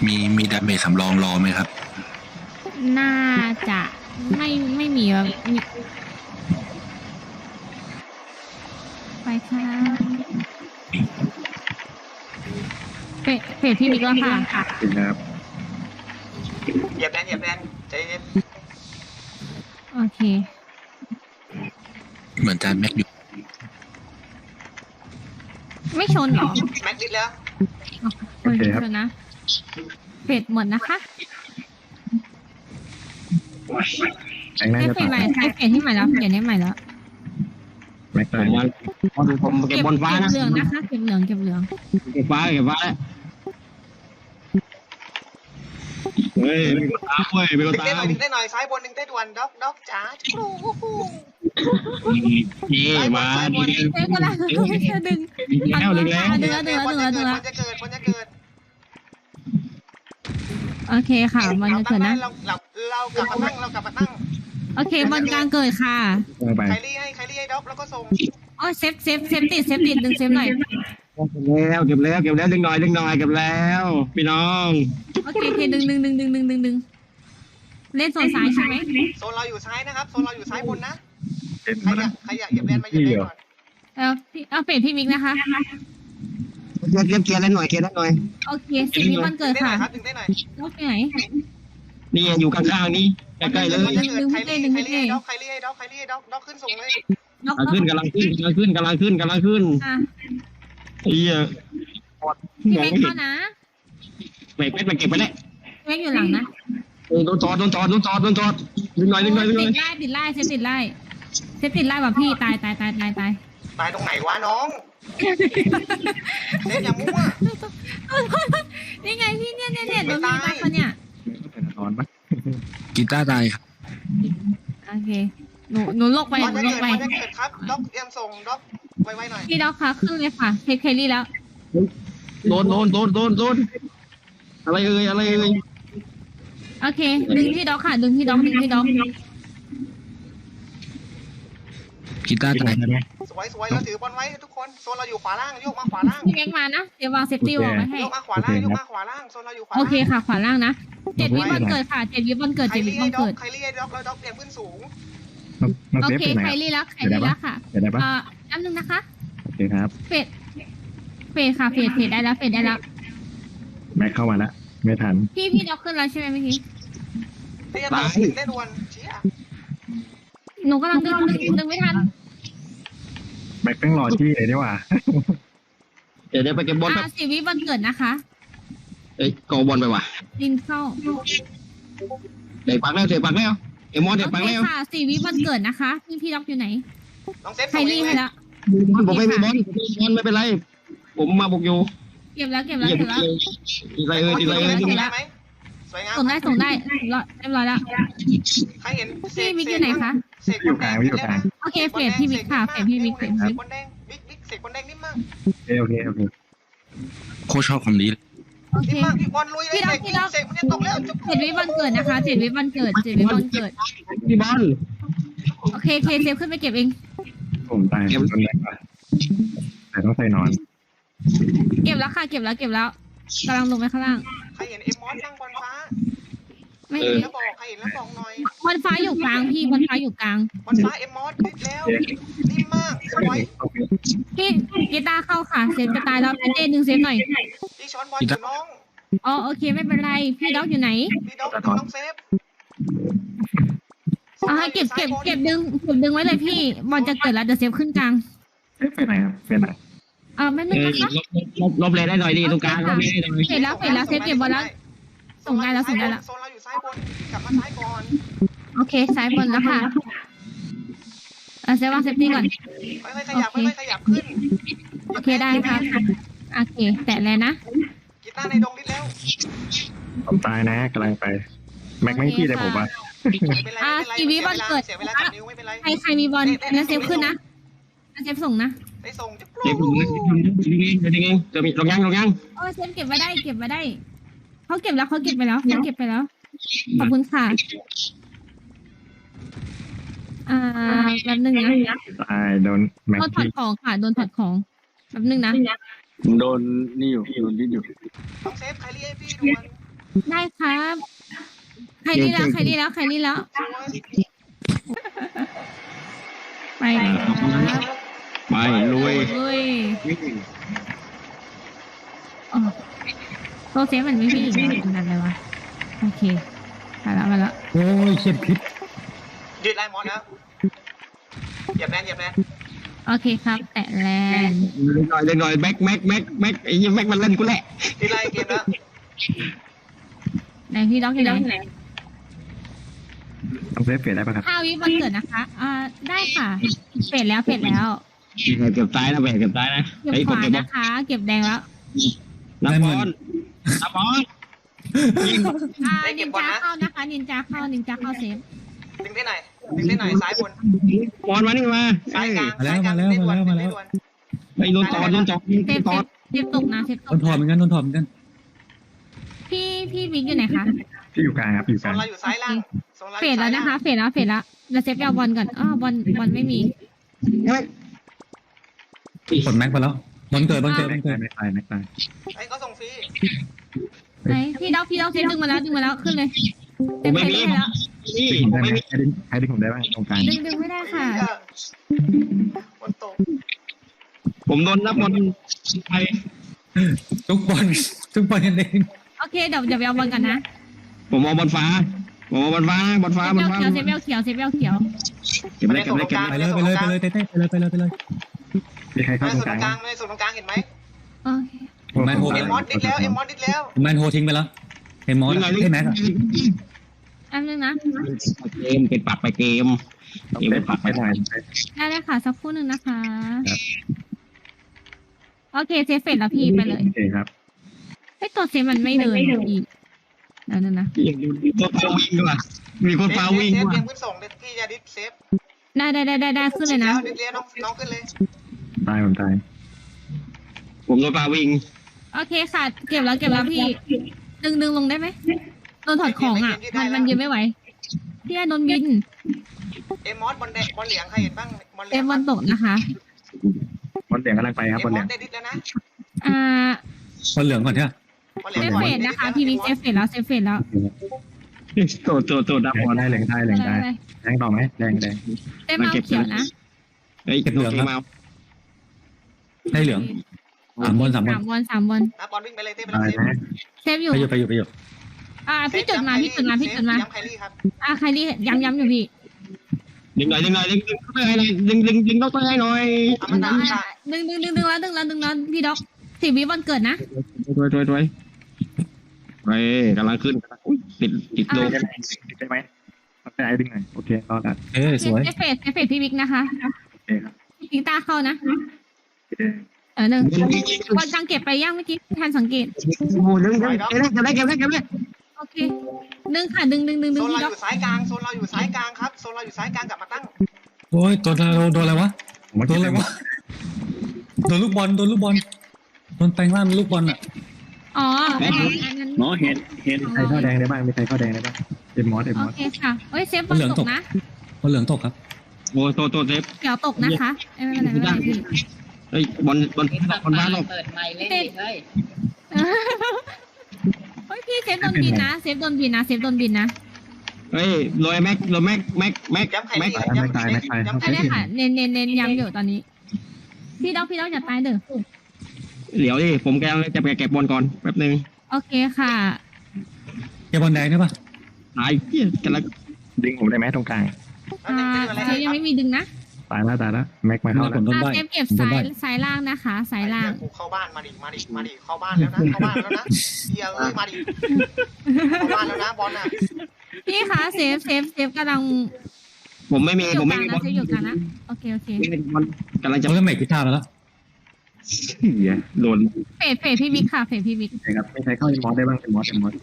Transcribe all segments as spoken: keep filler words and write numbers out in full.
มีมีดาเมจสำรองรอไหมครับน่าจะไม่ไม่มีแบบมีไปค่ะเฟดเฟดพี่มิกแล้วค่ะครับเหยียบแดนเหยียบแดนใจเย็นโอเคเหมือนจานแม็กอยู่ไม่ชนเหรอแม็กดิดแล้วโอเคครับชนนะเฟดหมดนะคะแม็กน่าให้จะเฟดต่อใหม่ให้เฟดที่ใหม่แล้วเฟดให้ใหม่แล้วแม็กผตายมว่าผมผมเก็บบนฟ้าเก็บนะเหลืองนะคะเก็บเหลืองเก็บเหลืองเก็บฟ้าเก็บฟ้าแล้วเฮ้ยมีคนตามเว้ยมีคนดึงตาได้หน่อมยดึงได้หน่อยซ้ายบนดึงได้ด่วนด็อกด็อกจ๋าครูนี่มาดีเอ้ยก็แล้วจะดึงแล้วดึงแล้วดึงแล้วดึงแล้วดึงแล้วดึงแล้วมันจะเกิดมันจะเกิดโอเคค่ะมันจะเกิดนะเราเราเรากลับมาตั้งเรากลับมาตั้งโอเคบอลกลางเกิดค่ะไปไคลี่ให้ไคลี่ให้ด็อกแล้วก็ส่งอ๋อเซฟเซฟเซฟติดเซฟติดดึงเซฟหน่อยแล้วเก็บแล้วเก็บแล้วดึงหน่อยดึงหน่อยเก็บแล้วพี่น้องโอเคโอเคดึงดึงดึงดึงดึงดึงดึงเล่นโซนซ้ายใช่ไหมโซนเราอยู่ซ้ายนะครับโซนเราอยู่ซ้ายบนนะเป็นใครมาอยานะกใครอยากเหยียบแดนมาเหยียบแดนก่อนเออพี่เอาเฟดพี่มิกนะคะเก็บเก็บเกียร์เล่นหน่อยเกียร์เล่นหน่อยโอเคสิบวิวันดึเกิงดได้หน่ค่ะอยครับดึงได้หน่อยรถไปไหนนี่อยู่ข้างๆนี่ใกล้ๆเลยมันจะเกิดไคลี่ไคลี่ให้ด็อกไคลี่ให้ด็อกไคลี่ให้ด็อกด็อกขึ้นส่งเลยน็อกกำลังขึ้นกำลังขึ้นกำลังขึ้นกำลังขึ้นกำลังขึ้นอ่ะไอ้เหี้ยพี่มองเม็กไม่เห็เข้าน นะเบรกเป็ดมาเก็บไปแล้วเม็กอยู่หลังนะโดนจอดโดนจอดโดนจอดโดนจอดดึงหน่อยดึงหน่อยดึงหน่ติอยดไล่ติดไล่เซฟติดไล่เซฟติดไล่ว่ะพี่ตายตายตายตายตายตายตรงไหนวะน้องเล่นอย่ามั่วนี่ไงพี่เนี่ยเนี่ยเนี่ยโดนพี่ตายปะเนี่ยเป็นนอนปะกีตาร์ตายครับโอเคหนูหนูลงไปมันหนูจะลเกิงดไปมันจะเกิดครับด็อกเตรียมส่งด็อกไวๆหน่อยพี่ด็อกค่ะขึ้นเลยค่ะเทคเคลลี่แล้วโดนโดนโดนโดนโดนอะไรเอ่ยอะไรเอ่ยโอเคดึงพี่ด็อกค่ะดึงพี่ด็อกดึงพี่ด็อกกีตาร์ตายได้ไหมสวยสวยเราถือบอลไว้ทุกคนโซนเราอยู่ขวาล่างโยกมาขวาล่างพี่เม็กมานะเดี๋ยววางเซฟตี้วางไว้ให้โยกมาขวาล่างโยกมาขวาล่างโซนเราอยู่ขวาโอล่างเคค่ะขวาล่างนะเจ็ดวิวันเกิดค่ะเจ็ดวิวันเกิดใครเจ็ดวิเรียวักนด็อกเกิดใครเรียกด็อกแล้วด็อกเตรียมขึ้นสูงน้องน้องโอเซฟเคเป็นไหนใครรีแล้วใครรีแล้วค่ะเดี๋ยวได้ปะเอ่ออันนึงนะคะโอเคครับเฟดเฟดค่ะเฟดเฟดได้แล้วเฟดได้แล้วแม็กเข้ามาแล้วไม่ทันพี่พี่ด็อกขึ้นแล้วใช่ไหมเมื่อกี้ได้ยังดึงได้ด่วนเชี่ยหนูกำลังดึงดึงดึงไม่ทันแม็กต้องรอที่เลยดีกว่าเดี๋ยวเดี๋ยวไปเก็บบอลแป๊บอ่าสิวิวันเกิดนะคะเอ้ยกอบอลไปว่ะดินเข้าเด็กปักแล้วเด็กปักแล้วเอ็มมอนเด็กโอปักเคแล้วค่ะสี่วิวันเกิดนะคะพี่พี่ด็อกอยู่ไหนน้องเซฟใครส่งรีเองให้เลยแล้วผมไม่มีบอลบอลไม่เป็นไร ผมมาบุกอยู่เก็บแล้วเก็บแล้วเหยียบเก็บแล้วดีไรเอ้ยดีไรเอ้ยเก็ส่บงแล้ได้วไหมสวยงามส่งได้ส่งได้รอเรียบร้อยแล้วใครเห็นพี่มิกอยู่ไหนคะเสกบอลแดงโอเคเฟดพี่มิกค่ะเฟดพี่มิกเฟดเสพี่กมิกบอลแดงบิ๊กบิ๊กเสกบอลแดงนิ่มมากโอเคโอเคโอเคโคชชอบคำนี้เลยโอเคนิ่มมากพี่บอลลุยเลยเสกเสกมันจะตกแล้วจุ๊บเจ็ดวิวันเกิดนะคะเจ็ดวิวันเกิดเจ็ดวิวันเกิดพี่บอลโอเคเคเซฟขึ้นไปเก็บเองผมตายต้นแม็กว่ะแต่ต้องใส่นอนเก็บแล้วค่ะเก็บแล้วเก็บแล้วกำลังลงไปข้างล่างใครเห็นเอ็มมอสนั่งบอลฟ้าไม่เห็เห็นนแล้วบอกใครเห็นแล้วบอกหน่อยบอลฟ้าอยู่กลางพี่บอลฟ้าอยู่กลางบอลฟ้าเอ็มมอสบิ๊กแล้วนิ่มมากสวยพี่กีตาร์เข้าค่ะเซฟจะตายแล้วพี่เต้ดึงเซฟหน่อยพี่ช้อนบอลอยู่น้องอ๋อโอเคไม่เป็นไรพี่ด็อกอยู่ไหนพี่ด็อกน้องเซฟเอาให้เก็บเก็บเก็บดึงเก็บดึงไว้เลยพี่บอลจะเกิดแล้วเดี๋ยวเซฟขึ้นกลางเอ๊ะไปไหนครับไปไหนเออไม่นึเอง อนะคะลบลบลบเลยได้หน่อยดิตรงกลางลบเลยได้หน่อยเสร็จแล้วเสร็จแล้วเซฟเก็บบอลแล้วส่งได้แล้วส่งได้แล้วโซนเราอยู่ซ้ายบนกลับมาซ้ายก่อนโอเคซ้ายบนแล้วค่ะเออเซฟวางเซฟตี้ก่อนค่อยๆขยับค่อยๆขยับขึ้นโอเคได้ครับโอเคแตะเลยนะกีตาร์ในดงนิดแล้วผมตายนะกำลังไป แม็กไม่พี่เลยผมว่าไม่เป็นไรไม่เป็นไรเสียเวลากับนิ้วไม่เป็นไรใครใครมีบอลงั้นเซฟขึ้นนะงั้นเซฟส่งนะได้ส่งจุ๊บเด็กผมนะดึงเองดึงเองจะมีลงยังลงยังโอ้เซฟเก็บไว้ได้เก็บไว้ได้เขาเก็บแล้วเขาเก็บไปแล้วเขาเก็บไปแล้วขอบคุณค่ะอ่าแป๊บนึงนะตายโดนแม็กโดนถอดพี่ของค่ะโดนถอดของแป๊บนึงนะโดนนี่อยู่โดนดิ้นอยู่น้องเซฟใครเรียกพี่ด่วนได้ครับใครนี่แล้วใครนี่แล้วใครนี่แล้วไปครับไปลุยลุยอ๋อโซเซฟมันไม่วิ่งอีกแล้วเป็นอะไรวะโอเคมาแล้วมาแล้วโอ้ยเขียนพิษยืดไล่มอสแล้วเหยียบแรงเหยียบแรงโอเคครับ แตะแลนเล็กหน่อยเล็กหน่อยแม็กแม็กแม็กแม็กไอ้ยี่แม็กมันเล่นกูแหละยืดไล่เกมแล้วไหนพี่ด็อกอยู่ไหนต้องเซฟเฟดได้ปะครับห้าวิวันเกิดนะคะ อ่า ได้ค่ะเฟดแล้วเฟดแล้วเก็บซ้ายนะแหวกเก็บซ้ายนะเก็บไอ้ขคนวาเก็บนะคะ เก็บแดงแล้วนับบอลนับบอลยิงอ่า นินจาเข้านะคะ นินจาเข้า นินจาเข้าเซฟดึงได้หน่อยดึงได้หน่อยซ้ายบนบอลมานี่มาซ้ายกลางมาแล้วซ้ายกลางมาแล้วดึงได้มาด่วนแล้วดึมาง แล้วได้ด่วนไอ้โดนจอดโดนจอดเซฟจอดเซฟตกนะเซฟตโดกนถอดเหมือนกันโดนถอดเหมือนกันพี่พี่บิ๊กอยู่ไหนคะที่อยู่กลางครับอยู่โซกลางนเราอยู่ซ้ายล่างโซนเราอเฟยู่ดแล้วซ้ายนะล่างคะ เฟดแล้ว เฟดแล้วเราเซฟไปเอาบอลก่อนอ้อบอลบอลไม่มีกดแม็กไปแล้วบอลเกิดบอลเกิดบแม็อก ลเกิตาดยแม็กตายแม็กตายไอ้ก็ส่งฟรีไหนพี่ด็อกพี่ด็อกเซฟดึงมาแล้วดึงมาแล้วขึ้นเลยผเต็มมไม่เซฟมีได้แล้วนี่ดึงผมได้ไหมไม่มีใครดึงใครดึงผมได้บ้างตรงกลางดึงดึงไม่ได้ค่ะเหี้ยบนตกผมโดนนับบอลไปทุกบอลทุกบอลกันเองโอเคเดี๋ยวเดี๋ยวไปเอาบอลกันนะผมเอาบอลฟ้าผมเอาบอลฟ้าบอลฟ้าเซฟบอลเบลฟ้าเขียวเซฟเบลเขียวเซฟเบลเขียวเก็บเลยเก็บเลยเก็บไปเลยเลยไปเลยไปเลยเต้เต้ไปเลยไปเลยไปเลยมีใครเข้าไม่ตรงส่วนกตลารง งกลางไม่ส่วนตรงกลางเห็นไหมโอเคแมนโฮเอ็มมอสดิดแล้วเอ็มมอสดิดแล้วแมนโฮทิ้งไปแล้วเห็นมอสให้แม็กอะแป๊บนึงนะเกมเป็นปรับไปเกมต้องเซฟปักไม่ได้ได้เลยค่ะสักครู่หนึ่งนะคะ โอเคเซฟเฟดแล้วพี่ไปเลยโอเคครับไอตัวเซฟมันไม่เดินอีกเดี๋ยวนะนะยังมีคนฟาวิ่งด้วยมีคนฟาวิ่งเซฟด้วยเตรียมขึ้นส่งเดี๋ยวพี่จะดิดเซฟได้ได้ได้ได้ได้ขึ้นเลยนะดิดแล้วน้องน้องขึ้นเลยตายผมตายผมโดนฟาวิ่งโอเคค่ะเก็บแล้วเก็บแล้วพี่ดึงดึงลงได้ไหมโดนถอดของอ่ะ มันมันยืนไม่ไหวพี่โดนบินเอ็มมอสบอลแดงบอลเหลืองใครเห็นบ้างบอลเหลืเต็อมงบอลตกนะคะบอลเหลืองกำลังไปครับเอ็บมอลมเหลืองอสได้ดิดแล้วนะอ่าบอลเหลืองก่อนใช่ไหมบอลเหเซลืองฟเฟดนะคะพี่วิกเซฟเฟดแล้วเซฟเฟดแล้วโตโตโตดับบอลได้เหลืองได้เหลืองได้แดงต่อไหมแดงแดงเต็มเอาเขียวนะเฮ้ยเก็บเหลืองมาได้เหลืองสามบอลสามบอลสามบอลสามบอลนะบอลวิ่งไปเลยเต้ไปตายเลยนะเซฟอยู่ไปอยู่ไปอยู่ไปอยู่อ่าพี่จุดมาพี่จุดมาพี่จุดมาย้ำไคลี่ครับอ่าใครที่ย้ำย้ำอยู่พี่ดึงหน่อยดึงหน่อยดึงดึงให้หน่อยดึงดึงดึงต้องให้หน่อยเอามันอ่าน้ำค่ะดึงดึงดึงดึงแล้วดึงแล้วดึงแล้วพี่ด็อกสิบวิบอลเกิดนะถอยถอยถอยไปกำลังขึ้นอุ้ยติดติดโดได้ไหมได้ไหมต้องได้ดึงหน่อยโอเครอดละเอ้ยสวยเซฟเฟดเซฟเฟดพี่วิกนะคะโอเคครับพี่ตาเข้านะโอเคเออหนึ่งบอลกลางเก็บไปย่างเมื่อกี้ทันสังเกตโอ้ดึงดึงเก็บได้เก็บได้เก็บได้เก็บได้โอเคดึงค่ะดึงดึงดึงโซดึงนเราพี่อด็อกยู่ซ้ายกลางโซนเราอยู่ซ้ายกลางครับโซนเราอยู่ซ้ายกลางกลับมาตั้งโอ้ยโดนโดนโดนอะไรวะผมว่าโดนอะไรวะโดนลูกบอลโดนลูกบอลโดนแปลงร่างเป็นลูกบอลอ่ะอ๋ออันนั้นอันนั้นเนาะเห็นเห็นใครเข้าแดงได้บ้างมีใครเข้าแดงได้บ้างเอ็มมอสเอ็มโอมอสเคค่ะเฮ้ยเซฟบอลตกนะบอลเหลืองตกครับโอ้โตโตเซฟเขียวตกนะคะไม่เป็นไรไม่เป็นไรพี่เฮ้ยบอลบอลบอลบ้านเราเปิดไมค์เล่นดิเฮ้ยเฮ้ยพี่เซฟโดนบินนะเซฟโดนบินนะเซฟโดนบินนะเฮ้ยโรยแม็กโรยแม็กแม็กแม็กย้ำไคแม็กลี่ย้ำไคลี่ย้ำไคใช่ได้ลี่ค่ะเน้นเน้นเน้นย้ำอยู่ตอนนี้ พี่ด็อกพี่ด็อกอย่าตายเด้อเดี๋ยวดิผมกำลังจะไปเก็บบอลก่อนแป๊บนึงโอเคค่ะเก็บบอลแดงได้ปะหายเกี้ยกำลังดึงผมได้ไหมตรงกลางอ่าเซฟยังไม่มีดึงนะตายแล้วตายแล้วแม็กมาเข้าผแล้มวโดนอ่าใบเซฟเก็บโดนซ้าใบยซ้ายล่างนะคะซ้ายล่างกูเข้าบ้านมาดิมาดิมาดิเข้าบ้านแล้วนะเข้าบ้านแล้วนะเฮียเอ้ยมาดิเข้าบ้านแล้วนะบอลน่ะพี่คะเซฟเซฟเซฟกำลังผมไม่มีอยู่ผมกไม่ลางมีนะบอลเซฟอยู่กลางนะโอเคโอเคไม่มีบอลกำลังจะเขาเล่นเมกพิธาไปแล้วเหี้ยโดนเฟดเฟดพี่วิกค่ะเฟดพี่วิกโอเคครับมีใครเข้าเอ็มมอสได้บ้างเอ็มมอสเอ็มมอส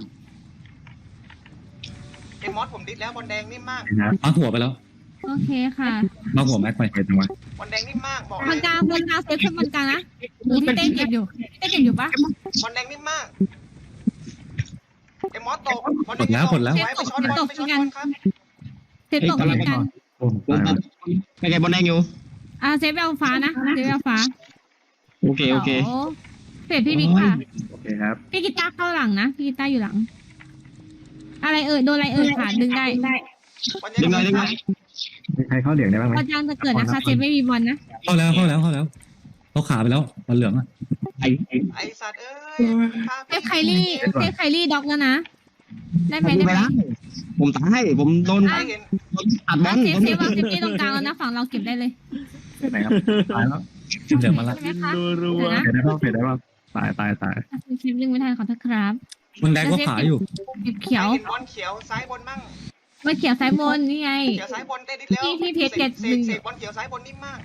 เอ็มมอสผมดิดแล้วบอลแดงนิ่มมากนะครับมาหัวไปแล้วโอเคค่ะมาหัวแม็กไปเอ็ดจังหวะบอลแดงนิ่มมากบอกบเลนยกลางบนกลางเซฟขึ้นบนกลางนะหรือพี่เต้เก็บอยู่พี่เต้เก็บอยู่ปะบอลแดงนิ่มมากเอ็มมอสตกบอลหมดแล้วหมดแล้วไว้ไปช็อตบอลไปช็อตบอลครับเซฟตกเหมือนกันโอ้ผมตายแล้วไม่ไงบอลแดงอยู่อ่าเซฟเอาฟ้านะเซฟเอาฟ้าโอเคโอเคดี๋ยวเฟดพี่บิ๊กค่ะโอเคครับพี่กีตาร์เข้าหลังนะพี่กีตาร์อยู่หลัง อะไรเอ่ยโดนอะไรเอ่ยค่ะดึงได้วันดึงไงดึงไงมีใครเข้าเหลืองได้บ้างไหมพอจางจะเกิดนะคะเซฟไม่มีบอลนะเข้าแล้วเข้าแล้วเข้าแล้วเขาขาไปแล้วบอลเหลืองอ่ะไอ้ไอ้ไอสัตว์เอ้ยเซฟไคลี่เซฟไคลี่ด็อกแล้วนะได้ไหมผมได้ไปไหมแล้วผมตายผมโดนไอเห็นอัดบออ่ะลเซฟเซฟวางเซฟที่ตรงกลางแล้วนะฝั่งเราเก็บได้เลยไหนครับตายแล้วเหลืองมาละใช่ไหมคะเดี๋ยวนะเฟดได้บ้างเฟดได้บ้างตายตายตายคลิปดึงไม่ทันขอโทษครับมันแดงก็ขาอยู่เก็บเขียวเห็นบอลเขียวซ้ายบนมั่งมาเขียวซ้ายบนนี่ไงเขียวซ้ายบนได้ดิแล้วที่ที่เพจเจ็ดเสหนึ่กงเสกบอลเขียวซ้ายบนนิ่มมาก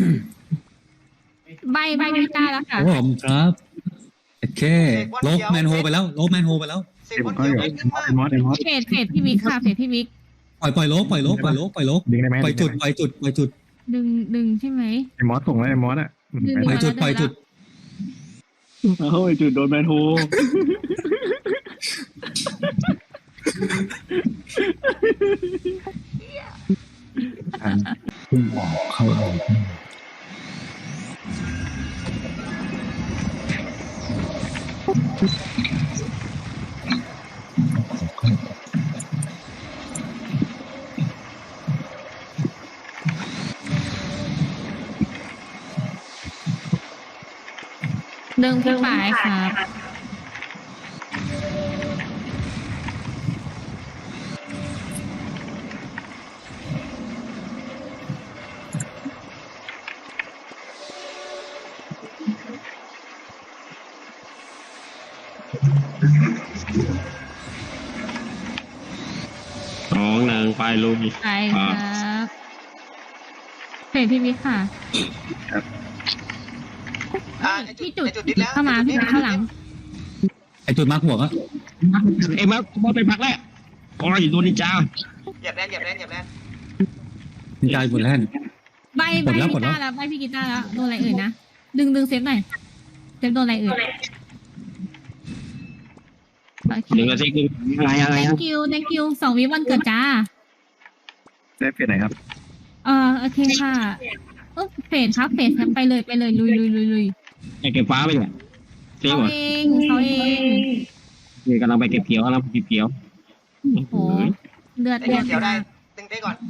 ใบใบกีตาร์แล้วค่ะโอ้ผมครับโอเคโลกแมนโฮไปแล้วโลกแมนโฮไปแล้วเสกที่บผอลมเข้าเขีอยวยู่นิ่มมากไอ้มอสไอ้มอสเฟดเฟดพี่บิ๊กค่ะเฟดพี่บิ๊กปล่อยปล่อยโลกปล่อยโลกปล่อยโลกปล่อยโลกดึงได้ไหมปล่อยจุดปล่อยจุดปล่อยจุดดึงดึงใช่ไหมไอ้มอสส่งแล้วไอ้มอสอ่ะดึงปล่อยจุดปล่อยจุดเฮ้ยจุดโดนแมนโฮพุ่งออกเข้าออกดึงพี่ปลายครับสองหนึ่งไปลุยไปครับเฟดพี่บิ๊กค่ะอ่าไอจุดไอจุดดิดแล้วเข้ามาพี่บิ๊กเข้าหลังไอจุดมาร์กหัวก็เอ็มครับบอลไปพักแล้วโอ้ยโดนนินจาเหยียบแรงเหยียบแรงเหยียบแรงมีใจบนแล่นใบใบกดแล้วพี่กดแล้วกีตาร์แล้วใบพี่กีตาร์แล้วโดนอะไรเอ่ยนะดึงดึงเซฟหน่อยเซฟโดนอะไรเอ่ยโอเคหนึ่งนาทีคืออะไรอะไร thank you thank you สองวิวันเกิดจ้าได้เฟดไหนครับเออโอเคค่ะเออเฟดครับเฟดครับไปเลยไปเลยลุยลุยลุยลุยไอ้เก็บฟ้าไปเลยเสียเขาหมดเองเขาเองนี่กำลังไปเก็บเขียวกำลังไปเก็บเขียวโหเดือดไอเดือดเขียวได้ดึงได้ก่อน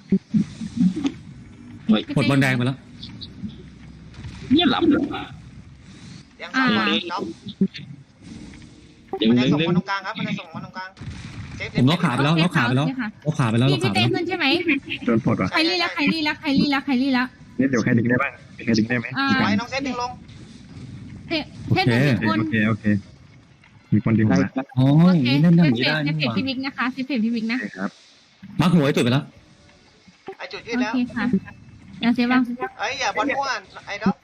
กดบอลแดงไปแล้วเนี่ยหลับยังสองบอลน็อกดึงมันจะดึงส่งดึงมาตรงกลางครับมันจะส่งมาตรงกลางเซฟผมล็อกขาไปแล้วล็อกขาไปแล้วโอเคค่ะล็อกขาไปแล้วล็พี่อกพี่ขาไปเต้แล้วขึ้นใช่ไหมโดนปลดว่ะใครรีแล้วใครรีแล้วใครรีแล้วใครรีแล้วนี่เดี๋ยวใครดึงได้บ้างมีใครดึงได้ไหมอ่าไว้น้องเซฟดึงลงเทเทสหนึ่งคนโอเคโอเคมีคนดึงได้มาอ๋อโออย่างเคนี้เล่นเซอย่างฟนี้เฟได้ดเซนี่ฟหเฟดว่าพี่บิ๊กนะคะเซฟเฟดพี่บิ๊กโอนะเคครับมาร์กหัวไอจุดไปแล้วไอจุดยืโอดแล้วเคค่ะเดี๋ยวเซฟบ้างเอ้ยอย่าบอลมั่วไอ้ด็อก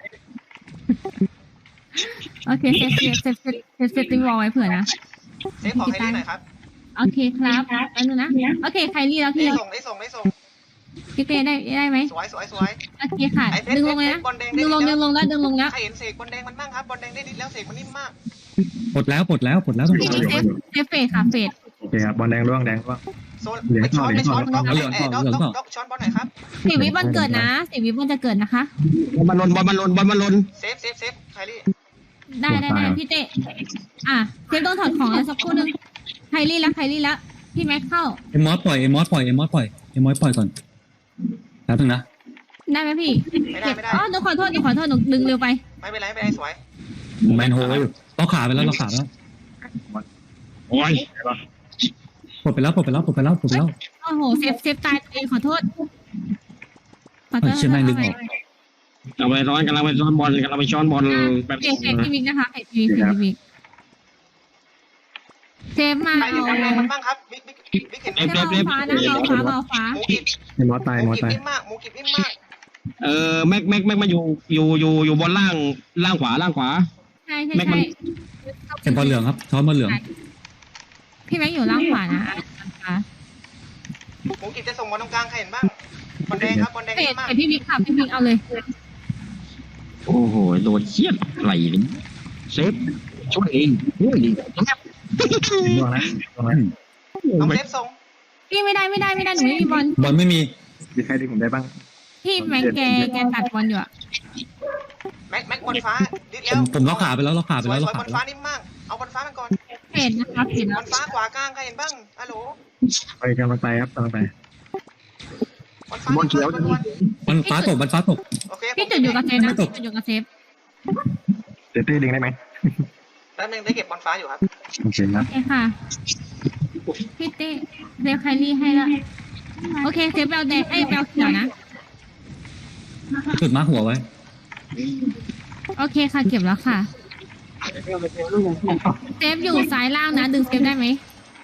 โอเคเซฟเซฟเซฟเซฟเซฟเซฟติ้งวอลไว้เผื่อนะเซฟของให้ดีหน่อยครับโอเคครับแป๊บนึงนะโอเคใครรีแล้วได้พี่ส่งได้ส่งได้ส่งพี่เต้ได้ได้ไหมสวยสวยสวยโอเคค่ะไอ้เพชรดึงเพลชงรเลยเพนะชรบอลแดงดึได้งลงแล้ดึวงลงแล้วดึงลงแล้วใครเห็นเสกบอลแดงมันบ้างครับบอลแดงได้ดิดแล้วเสกมันนิ่มมากปลดแล้วปลดแล้วปลดแล้วต้องพี่ขาบิ๊กเซฟเซฟเฟดค่ะเฟดโอเคครับบอลแดงร่วงแดงร่วงโซนไปช้อนไปช้อนด็อกไอ้ด็อกด็อกด็อกช้อนบอลหน่อยครับสี่วิวันเกิดนะสี่วิวันจะเกิดนะคะบอลมันลนบอลมันลนบอลมันลนเซฟเซฟเซฟไคลี่ได้ได้ได้พี่เต้อ่ะเซฟโดนถอดของแล้วสักครู่นึงไคลี่แล้วไคลี่แล้วพี่แม็กเข้าเอ็มมอสปล่อยเอ็มมอสปล่อยเอ็มมอสปล่อยเอ็มมอสปล่อยก่อนแป๊บนึงนะได้ไหมพี่ไม่ได้ไม่ได้อ๋อหนูขอโทษหนูขอโทษหนูดึงเร็วไปไม่เป็นไรไม่เป็นไรสวยแมนโฮอยู่ล็อกขาไปแล้วล็อกขาไปแล้วโอ้ยปลดไปแล้วปลดไปแล้วปลดไปแล้วปลดไปแล้วโอ้โหเซฟเซฟตายตัวเองขอโทษขอโทเฮ้ยษเชื่อแม่งดึงออกกำลังไปร้อนกำลังไปซ้อนบอลกำลังไปช้อนบอลแบบเฟดเฟดพี่บิ๊กนะคะเฟดพี่บิ๊กเฟดพี่บิ๊กเซฟมาใครเห็นเอาบอลแดงมันบ้างครับบิ๊กบิ๊กบิ๊กเห็นไหมเซฟเอาฟ้านะเอาฟ้าเอาฟ้าหมูกิบไอ้มอสตายหมมูอสกิบตายนิ่มมากหมูกิบนิ่มมากเออแม็กแม็กแม็กมาอยู่อยู่อยู่อยู่บนล่างล่างขวาล่างขวาใช่ใช่แม็กมัใช่นเป็นบอลเหลืองครับช้อนบอลเหลืองพี่แม็กอยู่ล่างขวานะอ่ะหมูกิบจะส่งบอลตรงกลางใครเห็นบ้างบอลแดงครับบอลแดงเฟนิ่ดมมากเฟดพี่บิ๊กค่ะพี่บิ๊กเอาเลยโอ้โหโดนเชียดไหลเลยเซฟช่วยเองช่วยดีแทบร่วงแล้วร่วงแล้วน้องเซฟส่งพี่ไม่ได้ไม่ได้ไม่ได้หนูไม่มีบอลบอลไม่มีมีใครดึงผมได้บ้างพี่แม็กแกแกตัดบอลอยู่อะแม็ม็กแม็กบอลฟ้าดิดผแล้วมผมล็อกขาไปแล้วล็อกขาไปสวแล้ยว สล็อวยกบขาอลไปฟ้าแล้วนิ่มมากเอาบอลฟ้ามันก่อนเฟดนะคะเฟดบแล้อวลฟ้าขวากลางใครเห็นบ้างฮัลโหลไปกำลังไปครับกำลังไปบอลฟ้าบอลเขียวด่วนมันฟ้าตกมันฟ้าตกๆโอเคพี่จุดอยู่กับเซฟนะไม่ตกจุดอยู่กับเซฟเต้เต้ดึงได้ไหมแป๊บนึงได้เก็บบอลฟ้าอยู่ครับโอเคครับโอเคค่ะพี่เต้เซฟไคลี่ให้ละโอเคเซฟแบลแดงไอ้ยแบลเขียวนะจุดมาร์คหัวไว้โอเคค่ะเก็บแล้วค่ะเซฟอยู่ซ้ายล่างนะดึงเซฟได้ไหม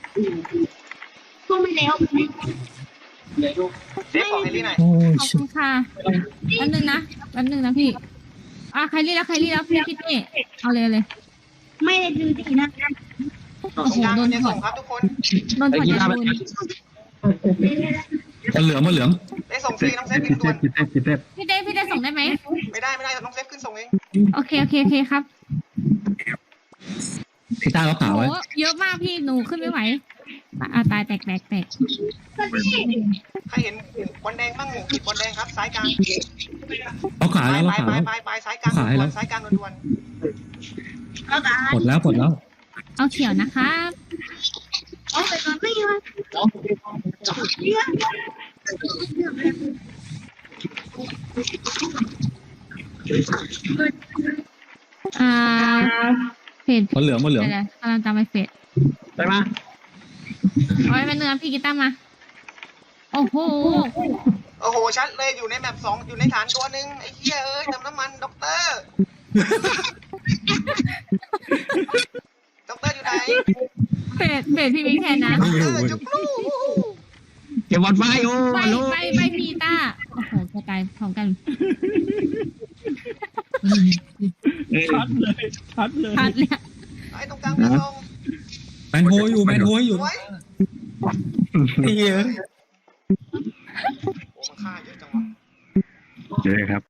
เซฟของเฮลี่หน่อยโอ้ยขอบชิคุณค่ะแป๊บนึงนะแป๊บนึงนะพี่อ่ะไคลี่แล้วไคลี่แล้วพี่พี่เต้เอาเลยเอาเลยไม่ได้ดูดีนะโอ้ตรงโหกลางโดนจะถอส่ดงครับทุกคนโดนถอดยาโดนมันเหลืองมันเหลืองได้ส่งฟรีน้องเซฟกิกินนเต้ด่วนกินเต้กินเต้พี่เต้พี่เต้ส่งได้ไหมไม่ได้ไม่ได้น้องเซฟขึ้นส่งเองโอเคโอเคโอเคครับพี่ต้าล็อกขาโอ้ไว้เยอะมากพี่หนูขึ้นไม่ไหวอ่ะตายแตกแตกแตกใครเห็นบอลแดงบ้างหมูขีดบอลแดงครับซ้ายกลางล็อกขาไปแล้วล็อกไปขาไปแล้วไปไปซ้ายกลางขายแล้วซ้ายกลางด่วนแล้วกันปลดแล้วปลดแล้วเอาเขียวนะครับเอาไปก่อนไม่ยอมอ่าเฟดมันเหลืองมันเหลืองเดี๋ยวๆกำลังจำไปเฟดไปมาเอาไว้เป็นเนื้อพี่กีต้าร์มา โอ้โหๆโอ้โหชัดเลยอยู่ในแมปสองอยู่ในฐานตัวหนึ่งไอ้เหี้ยเอ้ยเติมน้ำมันด็อกเตอร์ด็อกเตอร์อยู่ไหนเฟดเฟดพี่มิกแทนนะไม่เอรู้อเว้ยจุ๊บลูกเก็บบอลไฟโอ้ไปโลไปไปพี่กีต้าร์โอ้โหกระจายพร้อมกันชัดเลยชัดเลยพัดเลยไอ้ตรงกลางไม่ส่งแมนโฮอยู่แมนโฮอยู่ไว้ไอ้เหี้ยโอ้มันฆ่าเยอะจังวะโอเคครับ